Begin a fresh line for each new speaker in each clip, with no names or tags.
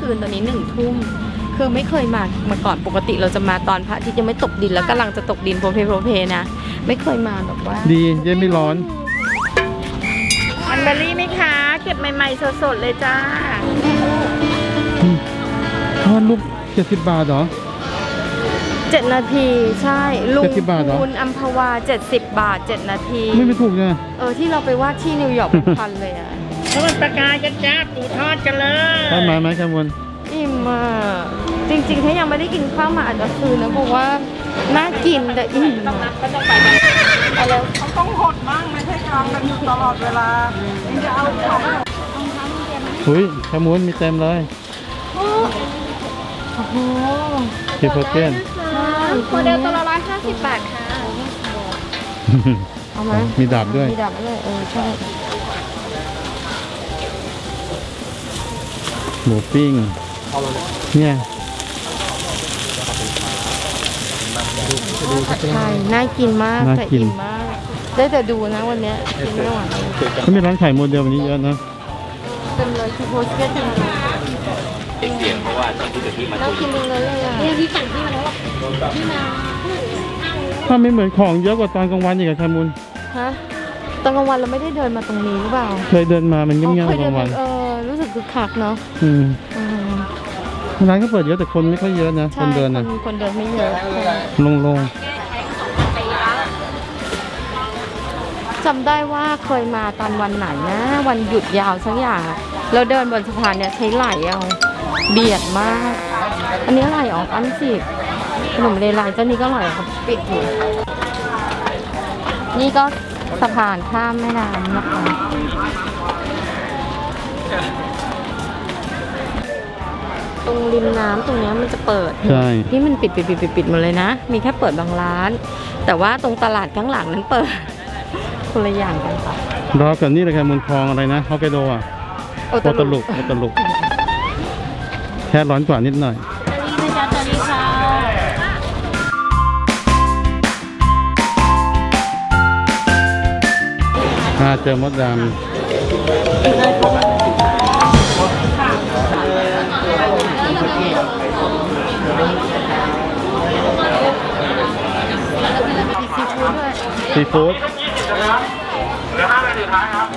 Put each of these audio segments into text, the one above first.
คืนตอนนี้1 ทุ่มคือไม่เคยมาก่อนปกติเราจะมาตอนพระอาทิตย์ยังไม่ตกดินแล้วกำลังจะตกดินโพเพนะไม่เคยมาแบบว่า
ดีเย็นไม่ร้อน
มันเบอร์รี่ไหมคะเก็บใหม่ๆสดๆเลยจ้า
ทอดลูก70 บาทเหรอ
7 นาทีใช่ลุง
70 บาทเหรอ
คุณอัมพวา70 บาท7 นาที
ไม่ถูกไง
ที่เราไปวาดที่นิวยอร์กเป็นพันเลยอ่ะ
ทอดปลากายจ้าปูทอดกันเลย
ทอดมาไหมแคมวน
อิ่มอ่ะจริงๆถ้ายังไม่ได้กินข้าวมาอาจจะคืนนะเพราะว่าน่ากินแต่อิ่มก็ต้องไปกันอะไรเขาต้องหดบ้างไม่ใช่กลางกันอยู่ตลอดเวลาจะเอาของ
อุ้ยแคมวนมีเต็มเลย
โอ้โห
ที่โปรเกน
โมเดลตัวละ150 บาทค่ะเอาไหม
มีดาบด้วย
มีดาบด้วยใช่
หมูปิ้งเนี่ย
ใช่น่ากินมากแต่อิ่มมากได้แต่ดูนะวันนี้กินไม่ไหว
เขามีร้านขายโมเดลวันนี้เยอะนะ
เต็มเลยคือโพสเก็ตเต็มเลย
เสียงเพราะว่าที่เกิดที่มัน
น่ากินเลยอ่ะ
เนี่ยที่สั่งที่มาแล้วที่มา
ถ้าไม่เหมือนของเยอะกว่าตอนกลางวันอีกอะแคมุน
ฮะตอนกลางวันเราไม่ได้เดินมาตรงนี้หรือเปล่า
เคยเดินมามันเงียบๆกลางวัน
รู้สึกคึกคักเนาะ
ร้านก็เปิดเยอะแต่คนไม่ค่อยเยอะนะคนเดินนะ
คนเดินไม่เยอะ
ลง
จำได้ว่าเคยมาตอนวันไหนนะวันหยุดยาวสักอย่างเราเดินบนสะพานเนี่ยใช้ไหลเอาเบียดมากอันนี้อะไรออกอันสิขนมเลไลเจ้านี้ก็อร่อยครับปิดอยู่นี่ก็สะพานข้ามแม่น้ำนะคะตรงริมน้ำตรงนี้มันจะเปิด
ใช่
ที่มันปิดหมดเลยนะมีแค่เปิดบางร้านแต่ว่าตรงตลาดข้างหลังนั้นเปิดคนละอย่างกันค่ะ
รอกันนี่เลยค่ะมูลคลองอะไรนะฮอกไกโดอ่ะโอตลุกแค่ร้อนกว่านิดหน่อยเจอมดดำซีฟู้ด
เหลือ5 นาทีท้ายครับ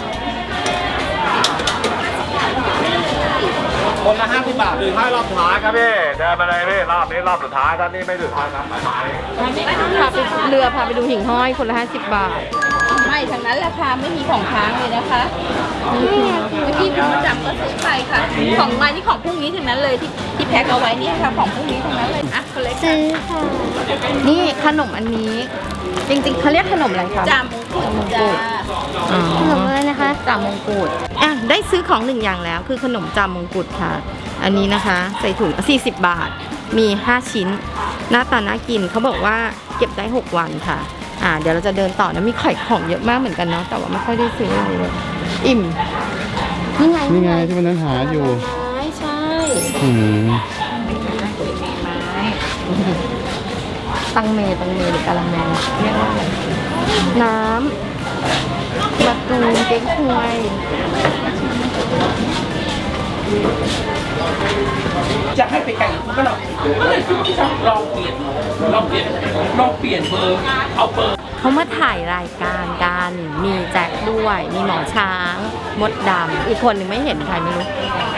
คนละ50 บาทถึงให้รอบสุดท้ายครับพี่เดินมาเลยพี่รอบนี้รอบสุดท้ายท่านนี้ไม่ถึงท้ายครับ
พาไปเรือพาไปดูหิ่งห้อยคนละ50 บาท
ไม่ทางนั้นราคาไม่มีของค้างเลยนะคะเมื่อกี้คุณประจำก็ซื้อไปค่ะของมานี่ของพรุ่งนี้ทั้งนั้นเลยที่แพ็คเอาไว้นี่ค่ะของพรุ่งนี้ทั้งนั้นเลยอ่ะคนเล็ก
ซื้อค่ะนี่ขนมอันนี้จริงๆเขาเรียกขนมอะไรคะ
จามงกุฎ
ขนมอะไรนะคะจามงกุฎได้ซื้อของ1 อย่างแล้วคือขนมจามงกุฎค่ะอันนี้นะคะใส่ถุง40 บาทมี5 ชิ้นหน้าตาน่ากินเขาบอกว่าเก็บได้6 วันค่ะเดี๋ยวเราจะเดินต่อนะมีไข่ของเยอะมากเหมือนกันเนาะแต่ว่าไม่ค่อยได้ซื้ออะไรเลยอิ่ม
นี่ไงที่วันนั้นหาอยู่
ใช่ตังเมหรือกะละแมเรียกว่าอะไรน้ำมะตูมเก๊กฮวย
จะให้ไปไกลก็ลองเปลี่ยนเบอร์เอาเบอร์
เขามาถ่ายรายการกันมีแจ็คด้วยมีหมอช้างมดดำอีกคนหนึ่งไม่เห็นใครไม่รู้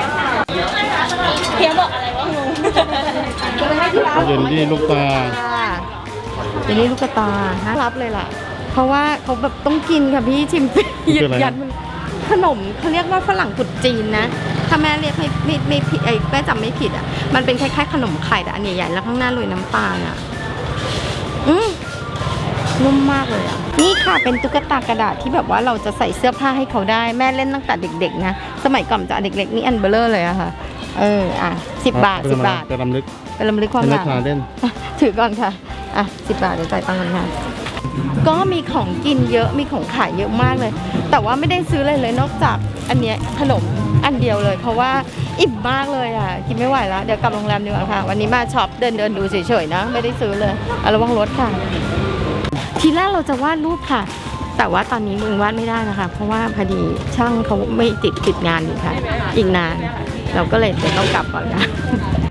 เพียงบอกอะไรวะงู
เย็นดีลูกตา
เย็นดีลูกตาฮะรับเลยล่ะเพราะว่าเขาแบบต้องกินค่ะพี่ชิมยืดยันมันขนมเขาเรียกว่าฝรั่งกุดจีนนะถ้าแม่เรียกไม่ผิดแม่จำไม่ผิดอ่ะมันเป็นคล้ายๆขนมไข่แต่อันใหญ่ๆแล้วข้างหน้าโรยน้ำตาลอ่ะนุ่มมากเลยอ่ะนี่ค่ะเป็นตุ๊กตากระดาษที่แบบว่าเราจะใส่เสื้อผ้าให้เขาได้แม่เล่นตั้งแต่เด็กๆนะสมัยก่อนจะเด็กๆนี่อันเบลเลอร์เลยอะค่ะ10 บาท10 บาท
เป็นลำลึก
ความหลัง
เล่น
ถือก่อนค่ะ10 บาทเดี๋ยวจ่ายตังค์กันค่ะก็มีของกินเยอะมีของขายเยอะมากเลยแต่ว่าไม่ได้ซื้อเลยนอกจากอันเนี้ยขนมอันเดียวเลยเพราะว่าอิ่มมากเลยอ่ะกินไม่ไหวแล้วเดี๋ยวกลับโรงแรมดีกว่าค่ะวันนี้มาช็อปเดินดูเฉยๆนะไม่ได้ซื้อเลยระวังรถค่ะทีแรกเราจะวาดรูปค่ะแต่ว่าตอนนี้มึงวาดไม่ได้นะคะเพราะว่าพอดีช่างเขาไม่ติดงานอยู่ค่ะอีกนานเราก็เลยจะต้องกลับก่อนค่ะ